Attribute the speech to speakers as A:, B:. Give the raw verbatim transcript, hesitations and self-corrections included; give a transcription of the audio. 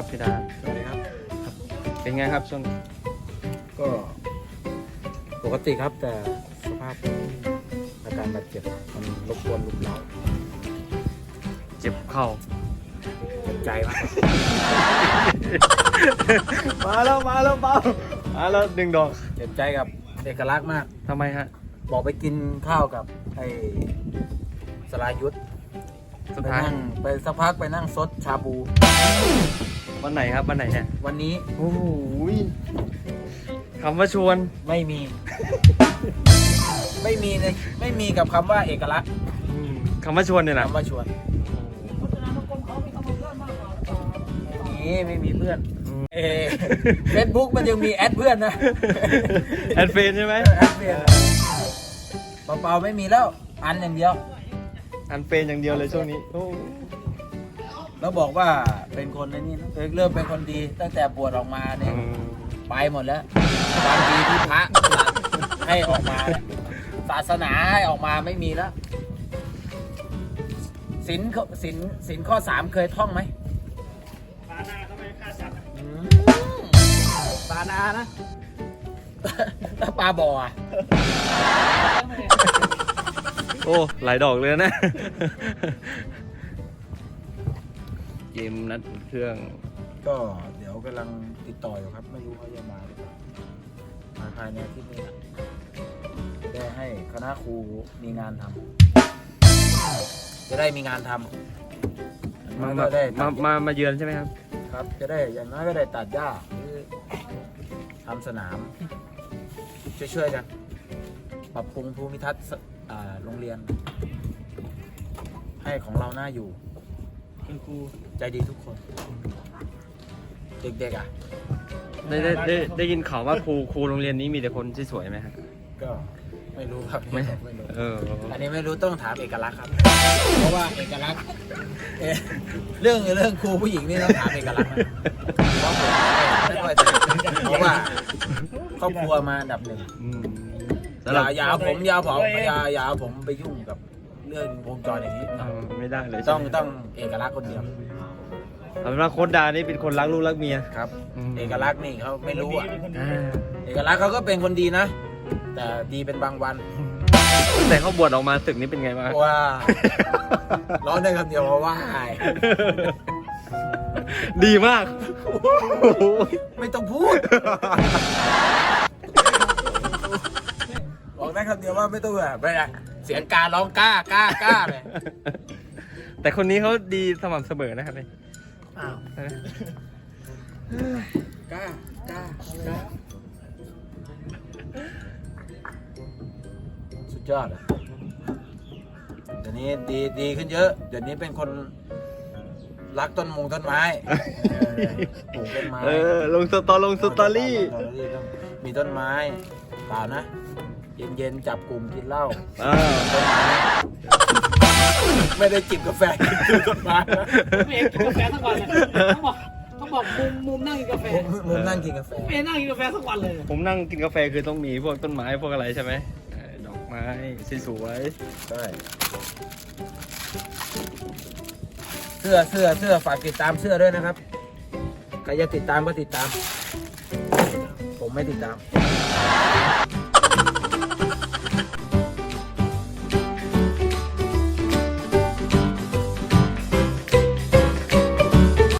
A: ครับพี่ดา
B: สวัสดีครับ
A: เป็นไงครับช่วง
B: ก็ปกติครับแต่สภาพอาการบาดเจ็บมันรบกวนลุกเล้า
A: เจ็บเข่า
B: เจ็บใจมาก
A: มาแล้วมาแล้วเปล่ามาแล้วดึงดอก
B: เจ็บใจกับเอกลักษณ์มาก
A: ทำไมฮะ
B: บอกไปกินข้าวกับไอ้สรายุทธ
A: สุด
B: ไป
A: ท้าย
B: นั่งไปสักพักไปนั่งซดชาบู
A: วันไหนครับวันไหนเนี่ย
B: วันนี้
A: โอ้โหคำว่าชวน
B: ไม่มี ไม่มีเลยไม่มีกับคำว่าเอกลักษณ์
A: คำว่าชวนเนี่ยนะ
B: คำว่าชวนนี่ไม่มีเพื่อนเอเฟซบุ๊กมันยังมีแอดเพื่อนนะ
A: แอดเฟนใช่ไหม
B: แอดเพื่อนเปล่าๆไม่มีแล้วอันอย่างเดียว
A: อันเฟนอย่างเดียวเลยช่วงนี้โอ้
B: แล้วบอกว่าเป็นคนในนี่นะเออเริ่มเป็นคนดีตั้งแต่บวชออกมาเนี่ย
A: อืม
B: ไปหมดแล้วความดีที่พระให้ออกมาเนี่ยศาสนาให้ออกมาไม่มีแล้วศีลศีลศีลข้อสามเคยท่องไหมปานาเขาไม่ฆ่าสัตว์ปานานะแล้วปลาบ่ออ่ะ
A: โอ้หลายดอกเลยนะ เกมนัดอุ่นเครื่อง
B: ก็เดี๋ยวกำลังติดต่ออยู่ครับไม่รู้เขาจะมาหรือเปล่ามาภายในอาที่นี้นะได้ให้คณะครูมีงานทำจะได้มีงานทำ
A: มา
B: ก็
A: มา
B: ได้
A: มามามาเยือนใช่ไหมครับ
B: ครับ จะได้อย่างน้อยก็ได้ตัดหญ้าหรือทำสนาม ช่วยๆกัน ปรับปรุงภูมิทัศน์สอ่าโรงเรียน ให้ของเราน่าอยู่คุณครูใจดีทุกคน เด็กๆอ่ะ
A: ได้ได้ได้ได้ยินข่าวว่าครูครูโรงเรียนนี้มีแต่คนที่สวยไหมครับ
B: ก็ไม่รู้ครับ
A: ไม่
B: ไม่รู้
A: เออ
B: อันนี้ไม่รู้ต้องถามเอกลักษณ์ครับ เพราะว่าเอกลักษณ์เอ่อเรื่องเรื่องครูผู้หญิงนี่ต้องถามเอกลักษณ์นะเพราะผมไม่ค่อยจะเพราะว่าครอบครัวมาอันดับหนึ่ง
A: อืม
B: อย่าอย่าเอาผมอยาผมอย่าอย่าเอาผมไปยุ่งกับเรื่องวงจรอย่างนี้
A: เออไม่ได้เลย
B: ต้อง
A: ใช่ไหม
B: ต้องเอกลักษณ์คนเดียว
A: เอาเป็นว่าโค้ดดานี่เป็นคนรักลูกรักเมีย
B: ครับ
A: อืม
B: เอกลักษณ์นี่เขาไม่รู้อ่ะ
A: อ่า
B: เอกลักษณ์เขาก็เป็นคนดีนะ แต่ดีเป็นบางวัน
A: ตั้งแต่เขาบวชออกมาตึกนี้เป็นไงบ้าง
B: ว่าร้องได้คำเดียวว่าว่าอาย
A: ดีมาก
B: ไม่ต้องพูดบอกได้คำเดียวว่าไม่ต้องแบบไม่ได้เสียงการร้องกล้ากล้ากล้าเลย
A: แต่คนนี้เขาดีสม่ำเสมอนะครับเนี่ย
B: อ้าวกล้ากล้ากล้าสุดยอดอ่ะเดี๋ยวนี้ดีดีขึ้นเยอะ เดี๋ยวนี้เป็นคนรักต้นมงต้นไม้ปลูกต้นไม้
A: เออลงสตอลงสตอรี่
B: สตอรี่ต้องมีต้นไม้เปล่านะ เย็นๆจับกลุ่มกินเหล้า
A: อ่า
B: ต้นไม้ไม่ได้จิบกาแฟกินต้นไม้นะ
C: ไม่เห็นกินกาแฟทั้งวันเลยต้องบอกต้องบอกมุมมุมนั่งกินกาแฟ
B: มุมมุมนั่งกินกาแฟ
C: ไม่เห็นนั่งกินกาแฟทั้งวันเลย
A: ผมนั่งกินกาแฟคือต้องมีพวกต้นไม้พวกอะไรใช่ไหมเออดอกไม้สวย
B: ใช่เสื้อเสื้อเสื้อฝากติดตามเสื้อด้วยนะครับใครจะติดตามก็ติดตาม ผมไม่ติดตาม
A: ๆ